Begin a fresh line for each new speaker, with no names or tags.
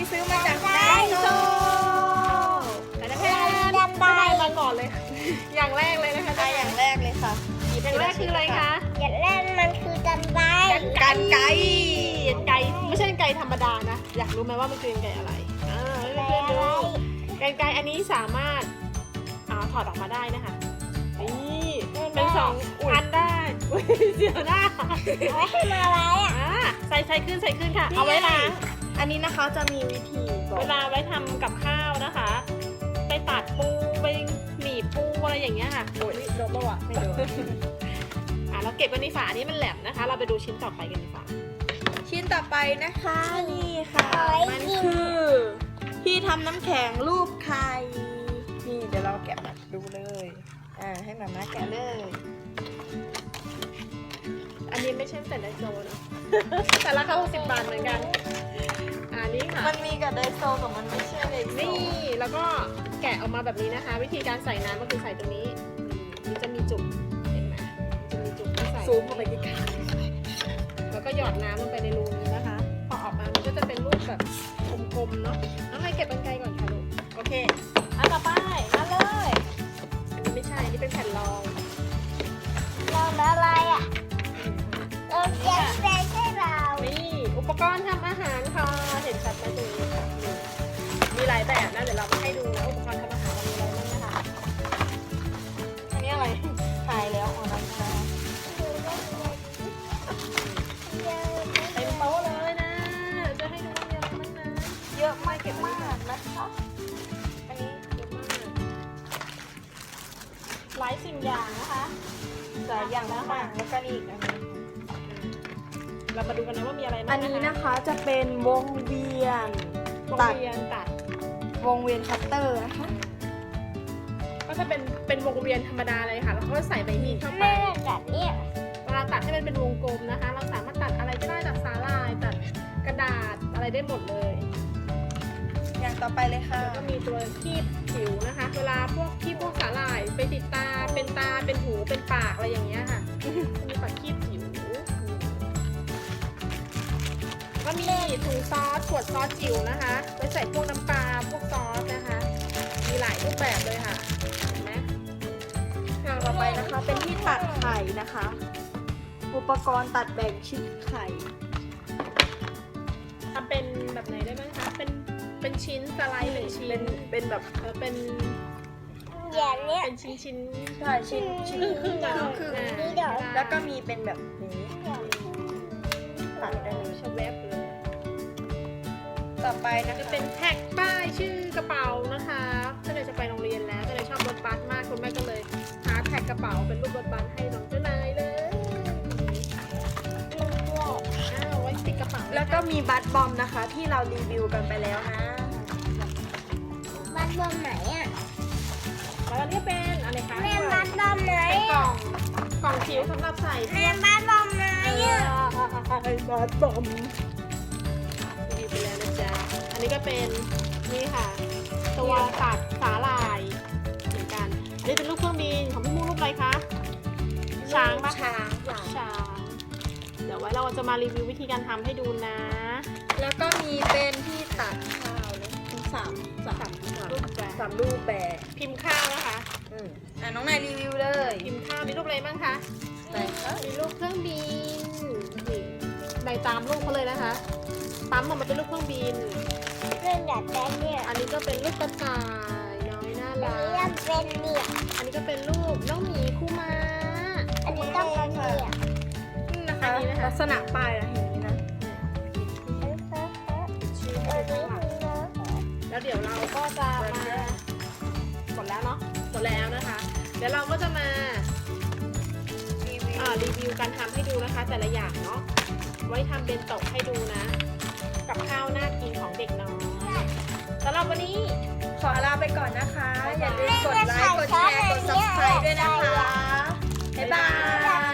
ซื้อมาจากไดโซ
แต่แพนได้มาก่อนเลย อย่างแรกเลยนะคะ
อย่างแรกเลยค่ะ
อย่างแรกคืออะไรคะ
อย่างแรกมันคือกันไกร
กันไกร
ไก่ไม่ใช่ไก่ธรรมดานะอยากรู้ไหมว่ามันคือไก่อะไรให้เพื่อนๆดูไก่อันนี้สามารถถอดออกมาได้นะคะนี่เป็นสองอันได้เสียวหน้า
ไว้ให้มาไว้อะ
ใส่ขึ้นค่ะ เอาไว้ล้าง
อันนี้นะคะจะมีวิธีบอก
เวลาไว้ทำกับข้าวนะคะ ไปตัดปูไปหนีบปูอะไรอย่างเงี้ยค่ะโอ้ยโดนปะวะ
ไม่ดู
เราเก็บกันในฝาอันนี้มันแหลมนะคะ เราไปดูชิ้นต่อไปกันดีกว่า
ชิ้นต่อไปนะคะนี่ค่ะ
เอาไว้
มัน
กิน
คือที่ทำน้ำแข็งรูปไข่นี่เดี๋ยวเราแกะมาดูเลยให้มาม่าแกะเลย
อันนี้ไม่ใช่แต่ไดโซนะ แต่ราคา60 บาทเหมือนกันอันนี้ค่ะ
มันมีกับไดโซแต่มันไม่ใช่ไดโซ
นี่แล้วก็แกะออกมาแบบนี้นะคะ วิธีการใส่น้ำก็คือใส่ตรงนี้มันจะมีจุกเห็นไหมจะมีจุกที่ใส่
ซูมเข้าไปใกล้
แล้วก็หยอดน้ำลงไปในรูนี้นะคะ พอออกมามันก็จะเป็นรูปแบบกลมๆเนาะน้องไอเก็บกรรไกรก่อนค่ะลูกโอเคอันต่อไปมาเลยอันนี้ไม่ใช่อันนี้เป็นแผ่นรอง
เราอะไรอ่ะเราจะเป็นให้เรา
นี่อุปกรณ์ทำอาหารค่ะเห็นชัดไหมตรงนี้ค่ะนี่มีหลายแบบนะเดี๋ยวเรามาให้ดูนะอุปกรณ์ทำอาหารเรามีอะไรบ้างนะคะ
ๆอันนี้อะไรหายแล้วอ๋อน้ำตาล
เต็มโต๊ะเลยนะเดี๋ยวจะให้ดูว่ามีอะไรบ้างนะ
เยอะมากเก็บมากนะคะอันนี้
เยอะมากหลายสิ่งอย่างนะคะ
หลายอย่างมากแล้วก็นี่อีกอันนึง
เรามาดูกันนะว่ามีอะไรบ้าง
อันนี้นะคะจะเป็นวงเวียน
วง
ตัด
เวียนตัด
วงเวียนคัตเตอร์นะคะ
ก็ถ้าเป็นวงเวียนธรรมดาเลยค่ะแล้วก็ใส่ใบมีดเข้าไป
แม่กัดเนี่ย
เวลาตัดให้มันเป็นวงกลมนะคะ เราสามารถตัดอะไรก็ได้ตัดสาลายตัดกระดาษอะไรได้หมดเลย
อย่างต่อไปเลยค่ะ
แล้วก็มีตัวคีบผิวนะคะ เวลาพวกคีบพวกสาลายไปติดตาเป็นหูเป็นปากอะไรอย่างเงี้ยค่ะมีปัดคีบผิวก็มีถุงซอสขวดซอสจิ๋วนะคะไว้ใส่พวกน้ำปลาพวกซอสนะคะ มีหลายรูปแบบเลยค่ะเห็นไหม
อย่างต่อไปนะคะเป็นที่ตัดไข่นะคะ อุปกรณ์ตัดแบ่งชิ้นไข่
ทำเป็นแบบไหนได้บ้างคะเป็นชิ้นสไลด์เป็นชิ้น
เป็นแบบ
เป็น
อย่างเนี้ย
เป็นชิ้น
ใช่ชิ้น
ครึ่งอะเนาะ
ครึ่ง
นี่เดี๋ยว
แล้วก็มีเป็นแบบนี้ตัดได้เลย
ชแวบเลย
ต่อไปนะ
จะ
คะ
เป็นแท็กป้ายชื่อกระเป๋านะคะก็เลยจะไปโรงเรียนแล้วก็เลยชอบรถบัสมากคุณแม่ก็เลยหาแท็กกระเป๋าเป็นรูปรถบัสให้น้องเจ้านายเลยไว้ติดกระเป๋า
แล้วก็มีบัตบอมนะคะที่เรารีวิวกันไปแล้วนะ
บัตรบอมไหนอ่ะ
แล้วอันนี้เป็นอะไรคะ
แม่บัตรบอมไหน
เป็นกล่
อ่ะ
องกล่องผิวสำหรับใส่
แม่บัตรบอมไหนอ่ะ
บัตบอม
รีวิวไปแล้วนะจ๊ะอันนี้ก็เป็นนี่ค่ะ ตัวตัดสาลายเหมือนกันอันนี้เป็นรูปเครื่องบินของพี่มูรูปอะไรคะช้างปะ
ช้างค่ะ
ช้างเดี๋ยวไว้เราจะมารีวิววิธีการทำให้ดูนะ
แล้วก็มีเป็นที่ตัดข้าวเลยทั้งสาม
รูปแบบ
สามรูปแบบ
พิมพ์ข้าวนะคะ
น้องนายรีวิวเลย
พิมพ์ข้าวมีรูปอะไรบ้างคะ
ไหนคะ
มีรูปเครื่องบินนี่ในตามรูปเขาเลยนะคะปั๊มออกมาเป็นรูปเครื่องบิน
เรื่องดัดแปลงเนี่ย
อันนี้ก็เป็นรูปกระต่ายน้อยน่า
อัน
รั
นี้
ก
เป็นเนี่ย
อันนี้ก็เป็นรูปน้องหมีคู่ม้า
อันนี้ก็เป็นเนี่ย
นี่นะคะ
อันนี้นะคะ
ลักษณะป้ายอะอย่างนี้นะ
ชื่อ
อั
ให้
น
ดู
นี้
ข้างหลัง
คือเนื้อ
แล้วเดี๋ยวเราก็จะมาหมดแล้วเนาะหมดแล้วนะคะ เดี๋ยวเราก็จะมา รีวิวการทำให้ดูนะคะ แต่ละอย่างเนาะไว้ทำเบนโตะให้ดูนะ กับข้าวน่ากินของเด็กน้อยสำหรับวันนี้
ขอลาไปก่อนนะคะ อย่าลืมกดไลค์ กดแชร์ กด subscribe ด้วยนะคะ บ๊ายบาย